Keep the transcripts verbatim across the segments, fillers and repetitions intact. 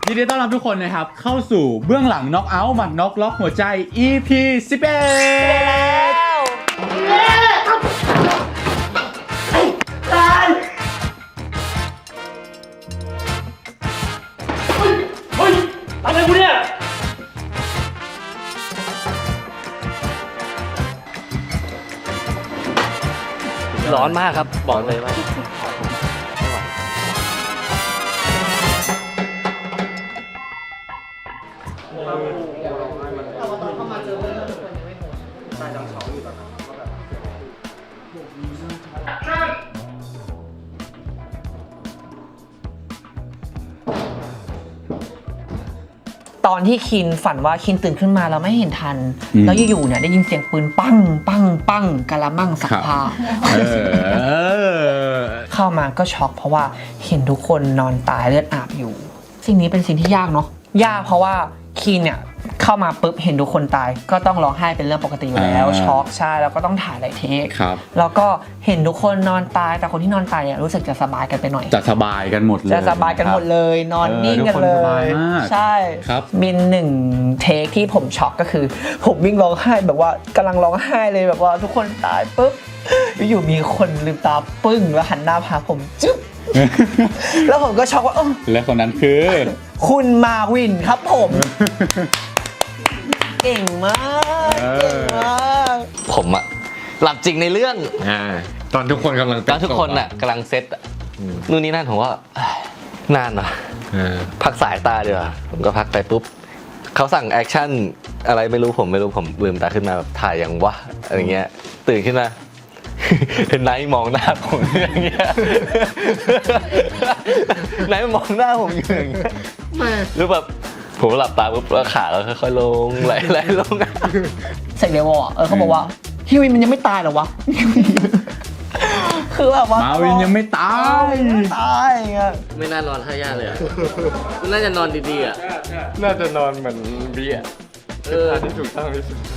ยินดีต้อนรับทุกคนนะครับเข้าสู่เบื้องหลังน็อกเอาท์หมัดน็อกล็อกหัวใจ อี พี สิบเอ็ดตายเฮ้ยเฮ้ยอะไรกูเนี่ยร้อนมากครับบอกเลยว่าตอนที่คินฝันว่าคินตื่นขึ้นมาแล้วไม่เห็นทันแล้วอยู่ๆเนี่ยได้ยินเสียงปืนปั้งปั้งปั้งกะละมังสักผ้าเข้ามาก็ช็อกเพราะว่าเห็นทุกคนนอนตายเลือดอาบอยู่สิ่งนี้เป็นสิ่งที่ยากเนาะยากเพราะว่าคินเนี่ยเข้ามาปุ๊บเห็นทุกคนตายก็ต้องร้องไห้เป็นเรื่องปกติอยู่แล้วช็อกใช่แล้วก็ต้องถ่ายหลายเทคแล้วก็เห็นทุกคนนอนตายแต่คนที่นอนตายเนี่ยรู้สึกจะสบายกันไปหน่อยจะสบายกันหมดเลยจะสบายกันหมดเลยนอนนิ่งกันเลยใช่ครับมีหนึ่งเทคที่ผมช็อกก็คือผมวิ่งร้องไห้แบบว่ากำลังร้องไห้เลยแบบว่าทุกคนตายปุ๊บอยู่มีคนลืมตาปึ้งแล้วหันหน้าพาผมจึ๊บแล้วผมก็ช็อกว่าและคนนั้นคือคุณมาวินครับผมเก่งมากเก่งมากผมอะหลับจริงในเรื่องอ่าตอนทุกคนกำลังตอนทุกคนอะกำลังเซตนู่นนี่นั่นผมว่านานนะพักสายตาเดี๋ยวผมก็พักไปปุ๊บเขาสั่งแอคชั่นอะไรไม่รู้ผมไม่รู้ผมลืมตาขึ้นมาแบบถ่ายอย่างวะอะไรเงี้ยตื่นขึ้นมาเห็นไนท์มองหน้าผมอย่างเงี้ยไนท์มองหน้าผมอยู่อย่างเงี้ยหรือแบบผมหลับตาปุ๊บแล้วขาเราค่อยๆลงไหลๆลงเสกเดวอ่ะเออเขาบอกว่าฮิวินมันยังไม่ตายหรอวะคือแบบว่ามาวินยังไม่ตายตายอ่ะไม่น่านอนท่ายากเลยอ่ะน่าจะนอนดีๆอ่ะน่าจะนอนเหมือนบีอ่ะเออที่ถูกต้องที่สุด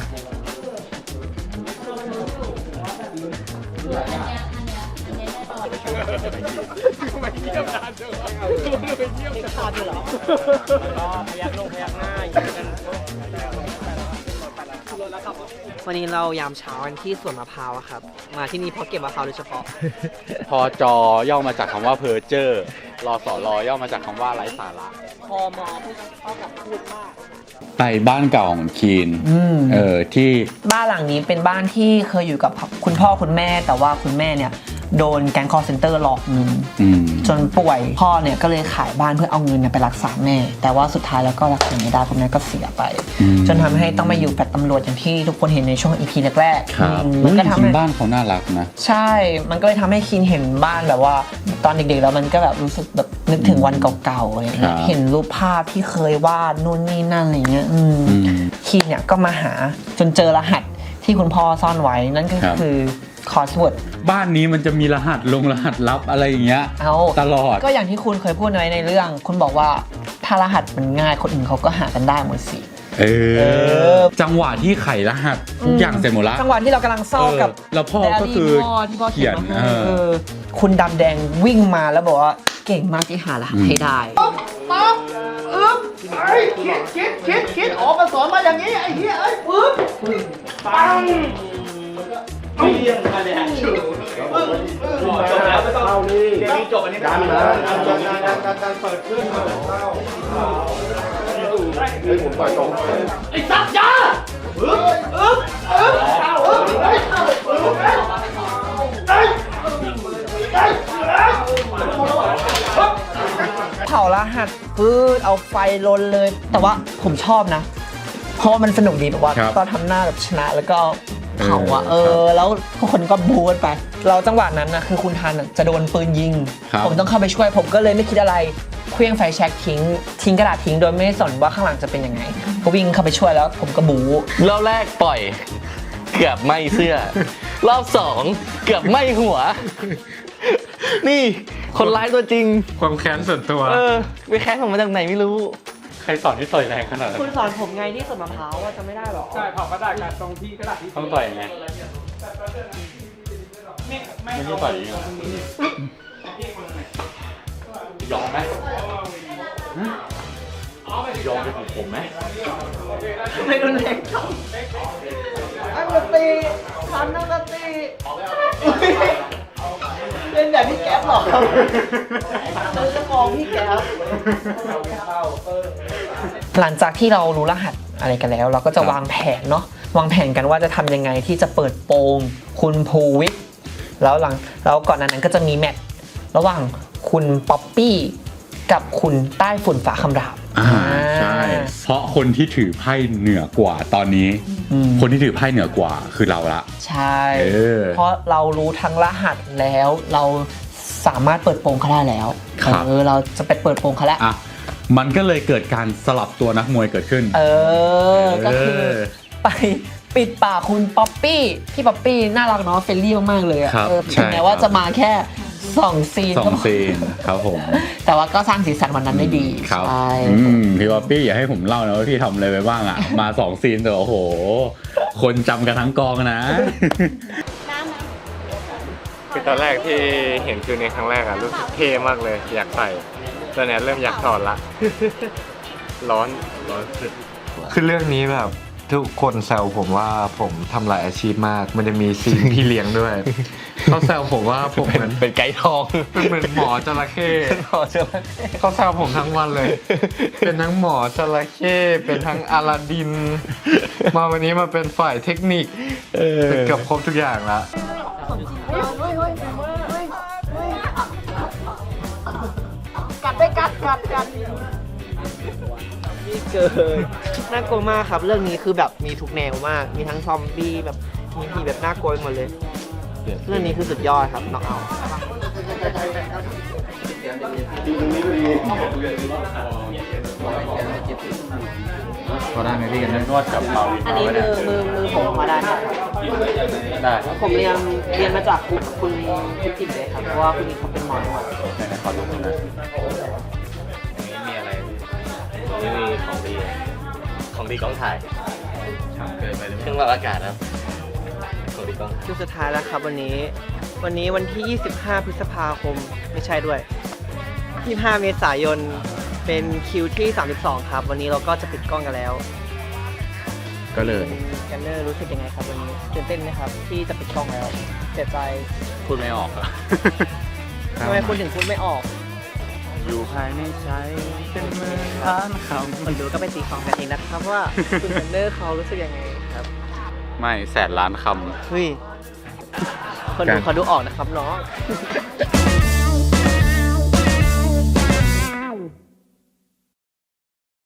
ไม่เยี่ยมนานจังไม่เยี่ยมนานเหรอก็พยักลงพยักหน้าอยู่กันวันนี้เรายามเช้ากันที่สวนมะพร้าวครับมาที่นี่เพราะเก็บมะพร้าวโดยเฉพาะพอจอย่อมาจากคำว่าเพอร์เจอร์รอสอรอย่อมาจากคำว่าไร้สาระพอมอพูดเท่ากับพูดมากไปบ้านเก่าของคีนเออที่บ้านหลังนี้เป็นบ้านที่เคยอยู่กับคุณพ่อคุณแม่แต่ว่าคุณแม่เนี่ยโดนแก๊งคอลเซ็นเตอร์หลอกเงินจนป่วยพ่อเนี่ยก็เลยขายบ้านเพื่อเอาเงินไปรักษาแม่แต่ว่าสุดท้ายแล้วก็รักษาไม่ได้คุณแม่ก็เสียไปจนทำให้ต้องมาอยู่แฟลตตำรวจอย่างที่ทุกคนเห็นในช่วง อี พี แรกๆมันก็ทำให้บ้านเขาน่ารักนะใช่มันก็เลยทำให้คินเห็นบ้านแบบว่าตอนเด็กๆแล้วมันก็แบบรู้สึกแบบนึกถึงวันเก่าๆอะไรเงี้ยเห็นรูปภาพที่เคยวาดนู่นนี่นั่นอะไรเงี้ยคินเนี่ยก็มาหาจนเจอรหัสที่คุณพ่อซ่อนไว้นั่นก็คือคอร์สเวิร์ดบ้านนี้มันจะมีรหัสลงรหัสลับอะไรอย่างเงี้ยตลอดก็อย่างที่คุณเคยพูดไว้ในเรื่องคุณบอกว่าถ้ารหัสมันง่ายคนอื่นเขาก็หากันได้หมดสิเออจังหวะที่ไขรหัสทุกอย่างเสร็จหมดแล้วจังหวะที่เรากำลังเศร้ากับแล้วพ่อก็คือเขียนคุณดำแดงวิ่งมาแล้วบอกว่าเก่งมากที่หารหัสให้ได้ปั๊บปั๊บอึ๊บไอ้คิดคิดคิดคิดออกมาสอนมาอย่างนี้ไอ้เหี้ยไอ้ปึ๊บปังไม่เรียงกันเลยฮะจบแล้วไม่ต้องเข้านี่เดี๋ยวนี้จบอันนี้การนะการการการเปิดเครื่องมาเข้าไอ้ผมปล่อยตรงไอ้สัตว์ยาอึ๊บอึ๊บอึ๊บอึ๊บไอ้อึ๊บไอ้ไอ้เผารหัสปื้ดเอาไฟลนเลยแต่ว่าผมชอบนะเพราะมันสนุกดีแบบว่าตอนทำหน้าแบบชนะแล้วก็เผาอ่ะเออแล้วทุกคนก็บู๊ไปเราจังหวะนั้นนะคือคุณทันจะโดนปืนยิงผมต้องเข้าไปช่วยผมก็เลยไม่คิดอะไรเคลื่องไฟแช็กทิ้งทิ้งกระดาษทิ้งโดยไม่สนว่าข้างหลังจะเป็นยังไงก็วิ่งเข้าไปช่วยแล้วผมก็บู๊รอบแรกปล่อยเกือบไหม้เสื้อรอบสองเกือบไหม้หัวนี่คนร้ายตัวจริงความแค้นส่วนตัวเออไปแค้นผมมาจากไหนไม่รู้ใครสอนที่ต่อยแรงขนาดนั้นคุณสอนผมไงที่สวนมะพร้าวว่าจะไม่ได้หรอใช่เผากระดาษกันตรงที่กระดาษที่ต้องต่อยไงไม่ไม่ใช่ต่อยยิงยอมไหมยอมเป็นของผมไหมไม่รุนแรงครับอันดนตรีทำนักดนตรีเล่นแบบพี่แก๊ปหรอครับเราจะมองพี่แก๊ปหลังจากที่เรารู้รหัสอะไรกันแล้ว เราก็จะวางแผนเนาะวางแผนกันว่าจะทำยังไงที่จะเปิดโปงคุณภูวิทย์แล้วหลังแล้วก่อนหน้านั้นก็จะมีแมตช์ระหว่างคุณป๊อปปี้กับคุณใต้ฝุ่นฝาคำรามอ่าใช่เพราะคนที่ถือไพ่เหนือกว่าตอนนี้ คนที่ถือไพ่เหนือกว่าคือเราละใช่เออเพราะเรารู้ทั้งรหัสแล้วเราสามารถเปิดโปงเขาได้แล้วครับเออเราจะไปเปิดโปงเขาแล้วอ่ะมันก็เลยเกิดการสลับตัวนักมวยเกิดขึ้นเออ ก็คือเออไปปิดปากคุณป๊อปปี้พี่ป๊อปปี้น่ารักเนาะเฟรนลี่มากๆเลยอะครับเออใช่ถึงแม้ว่าครับจะมาแค่สองซีนสองซีนครับผมแต่ว่าก็สร้างสีสันวันนั้นได้ดีครับใช่อืมพี่ป๊อปปี้อย่าให้ผมเล่านะว่าพี่ทำอะไรไปบ้างอ่ะ มาสองซีนแต่โอ้โห คนจำกันทั้งกองนะคือตอนแรกที่เห็นคือในครั้งแรกอะรู้สึกเท่มากเลย อยากใส่ตอนนี้เริ่มอยากถอดละ ร้อนร้อนสุดคือเรื่องนี้แบบทุกคนแซวผมว่าผมทำหลายอาชีพมากมันจะมีซีนพี่เลี้ยงด้วย เขาแซวผมว่าผมเหมือนเป็นไก่ทองเป็นเหมือนหมอจระเข้หมอจระเข้เขาแซวผมทั้งวันเลย เป็นทั้งหมอจระเข้เป็นทั้งอลาดิน มาวันนี้มาเป็นฝ่ายเทคนิคเป็นเกือบครบทุกอย่างละกัดไปกัดกัดกัดนี่เกินน่ากลัวมากครับเรื่องนี้คือแบบมีทุกแนวมากมีทั้งซอมบี้แบบมีผีแบบน่ากลัวหมดเลย เรื่องนี้คือสุดยอดครับน้องเอาพอได้ไหมพี่กันนวดกับเปาอันนี้มือมือมือผมมาได้ไหมได้ผมเรียนเรียนมาจากคุณคุณคุณจิ๋มเลยครับเพราะว่าคุณนี่เขาเป็นหมอนวดขอดูหน่อยนะมีอะไรนี่มีของดี ของดีกล้องถ่ายเกินไปเครื่องวัดอากาศนะของดีกล้องถ่ายคิวสุดท้ายแล้วครับวันนี้ วันนี้วันที่ ยี่สิบห้า พฤษภาคมไม่ใช่ด้วย ยี่สิบห้า เมษายนเป็นคิวที่ สามสิบสอง ครับ วันนี้เราก็จะปิดกล้องกันแล้วก็เลยกันเนอร์รู้สึกยังไงครับวันนี้ตื่นเต้นไหมครับ ที่จะปิดกล้องแล้วเสียใจพูดไม่ออกอะทำไมคุณถึงพูดไม่ออกอยู่ภายในใจเป็นเมืองล้านคคนดูก็ไปตีความกันเองนะครับว่า คุณกันเนอร์เขารู้สึกยังไงครับำไม่แสนล้านคำเฮ้ยคนดูเขาดูออกนะครับน้อง